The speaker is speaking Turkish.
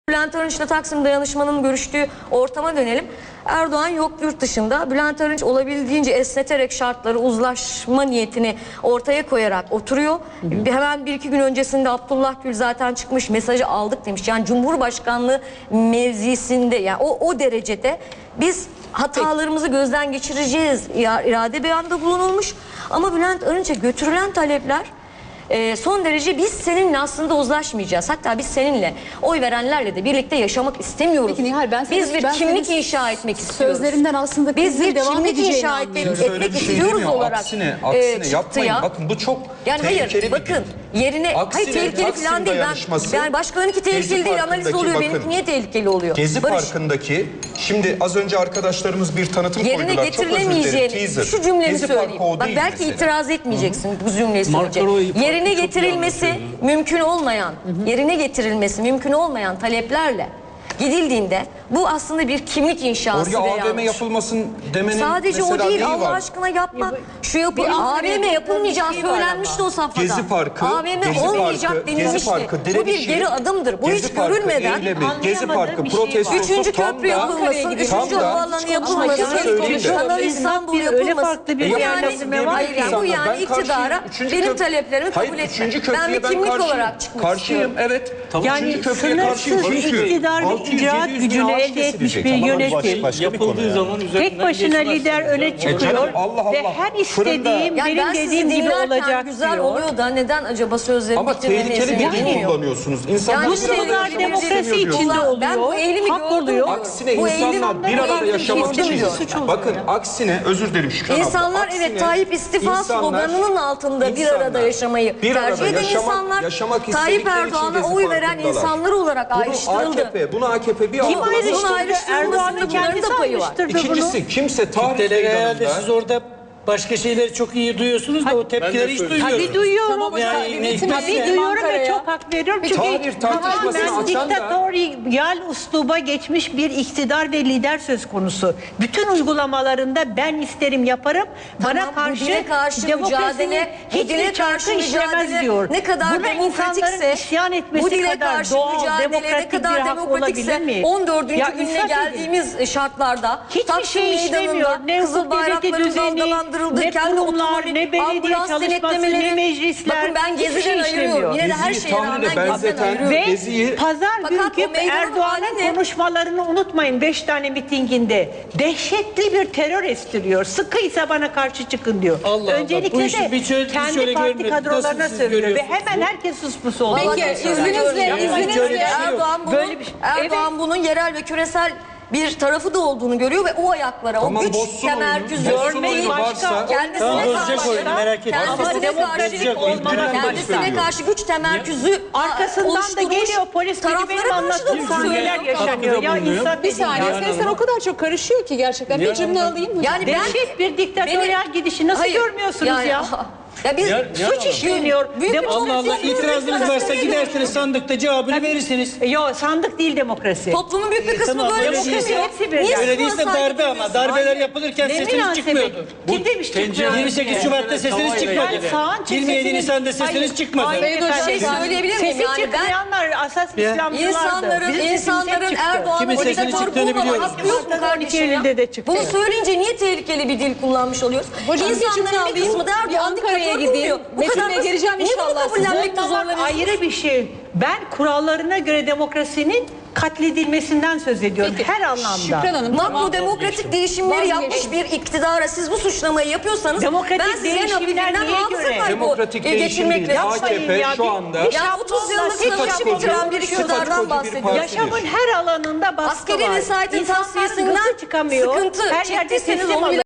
Bülent Arınç'la Taksim Dayanışma'nın görüştüğü ortama dönelim. Erdoğan yok yurt dışında. Bülent Arınç olabildiğince esneterek şartları, uzlaşma niyetini ortaya koyarak oturuyor. Hemen bir iki gün öncesinde Abdullah Gül zaten çıkmış, mesajı aldık demiş. Yani Cumhurbaşkanlığı mevzisinde, yani o derecede biz hatalarımızı gözden geçireceğiz irade beyanda bulunulmuş. Ama Bülent Arınç'a götürülen talepler son derece biz seninle aslında uzlaşmayacağız. Hatta biz seninle oy verenlerle de birlikte yaşamak istemiyoruz. Peki Nihal, biz bir kimlik inşa etmek istiyoruz. Sözlerinden aslında biz bir devam kimlik edeceğini inşa etmek istiyoruz olarak aksine çıktı yapmayın. ya. Bakın bu çok yani tehlikeli hayır, bakın yerine hayır, tehlikeli falan değil. Yani başkalarınki tehlikeli değil, analiz oluyor. Benimki niye tehlikeli oluyor? Gezi Parkı'ndaki, şimdi az önce arkadaşlarımız bir tanıtım koydular. Yerine getirilemeyeceğini, şu cümlemi söyleyeyim. Bak belki itiraz etmeyeceksin bu cümleyi söyleyecek. Yerine getirilmesi mümkün olmayan, yerine getirilmesi mümkün olmayan taleplerle gidildiğinde bu aslında bir kimlik inşası oraya ve AVM yapılmasın demenin sadece o değil, Allah var? aşkına yapma. Şu AVM yapılmayacağı söylenmişti o safhada. Gezi Parkı, AVM olmayacak denilmişti. Bu bir geri adımdır. Bu hiç görülmeden Gezi Parkı protestosu 3. köprü yapılması, 3. havaalanı yapılması, Kanal İstanbul yapılması. Hayır yani bu yani iktidara benim taleplerimi kabul etme. Ben bir kimlik olarak çıkmak istiyorum. Evet. Yani sınırsız iktidar ve icraat gücünü elde etmiş bir yönetim yapıldığı zaman tek başına lider öne çıkıyor Allah ve her istediğim benim dediğim gibi olacak güzel diyor. oluyor da neden acaba sözleri ama tehlikeli bir dil kullanıyorsunuz. İnsanlar bu sözler demokrasi içinde oluyor. Ben bu eğilimi hak oluyor. Aksine insanlar bir arada yaşamak için. Bakın aksine, özür dilerim Şükran abla. İnsanlar evet Tayyip istifa sloganının altında bir arada yaşamayı tercih eden insanlar, Tayyip Erdoğan'a oy veren insanlar olarak ayrıştırıldı. Bunu AKP bir Kim ayrıştırdı? Erdoğan'ın kendisi ayrıştırdı bunu. İkincisi kimse tarih herhalde siz orada başka şeyleri çok iyi duyuyorsunuz da o tepkileri hiç duymuyorsunuz. Tabii duyuyorum. Tabii duyuyorum ve çok hak veriyorum. Çünkü tamamen diktatöryal usluba geçmiş bir iktidar ve lider söz konusu. Bütün uygulamalarında ben isterim yaparım. Bana karşı demokrasinin hiçbir çarkı işlemez diyor. Ne kadar buna insanların isyan etmesi kadar doğal, demokratik bir hak olabilir mi? 14. gününe geldiğimiz şartlarda hiçbir şey işlemiyor. Ne hukuk devleti düzeni, ne kurumlar, ne belediye çalışması, ne meclisler. Bakın ben Gezi'den ayırıyorum. Yine de her şeye rağmen Gezi'den ayırıyorum. Ve pazar günkü Erdoğan'ın konuşmalarını unutmayın 5 tane mitinginde. Dehşetli bir terör estiriyor. Sıkıysa bana karşı çıkın diyor. Öncelikle de kendi parti kadrolarına söylüyor. Ve hemen herkes suspus oldu. Peki izninizle Erdoğan bunun yerel ve küresel bir tarafı da olduğunu görüyor ve o ayaklara, o güç temerküzü görmeyi kendisine karşı güç temerküzü arkasından da geliyor polis gibi benim anlattığım sahneler yaşanıyor. Ya insan bir saniye sesler o kadar çok karışıyor ki gerçekten. Bir cümle alayım mı? Yani dehşet bir diktatöryal gidişi nasıl görmüyorsunuz ya? Ya biz suç işleniyor. Allah Allah, itirazınız varsa gidersiniz sandıkta cevabını verirsiniz. Yok, sandık değil demokrasi. Toplumun büyük bir kısmı böyle düşünüyor. Öyle değilse darbe, ama darbeler yapılırken sesiniz çıkmıyordu. Kim demiş çıkmıyor? 28 Şubat'ta sesiniz çıkmadı. 27 Nisan'da sesiniz çıkmadı. Şey söyleyebilir miyim? Sesi çıkmayanlar asas İslamcılardı. İnsanların Erdoğan'ın diktatör bulmama hakkı yok mu kardeşim ya? Bunu söyleyince niye tehlikeli bir dil kullanmış oluyoruz? İnsanların bir kısmı da Erdoğan diktatör gideyim. Metin'e geleceğim inşallah. Kabullenmekte zorlanıyorsunuz. Ayrı bir şey. Ben kurallarına göre demokrasinin katledilmesinden söz ediyorum. Peki, her anlamda. Şükran Hanım, makro demokratik değişimleri yapmış bir iktidara siz bu suçlamayı yapıyorsanız ben size nafinden hafıza kaybı geçirmekle AKP şu anda ya 30 yıllık savaşı bitiren bir iktidardan bahsediyor. Yaşamın her alanında baskı var. Askeri vesayetin tasfiyesinden çıkamıyor. sıkıntı her yerde çektiyseniz teslim onu bile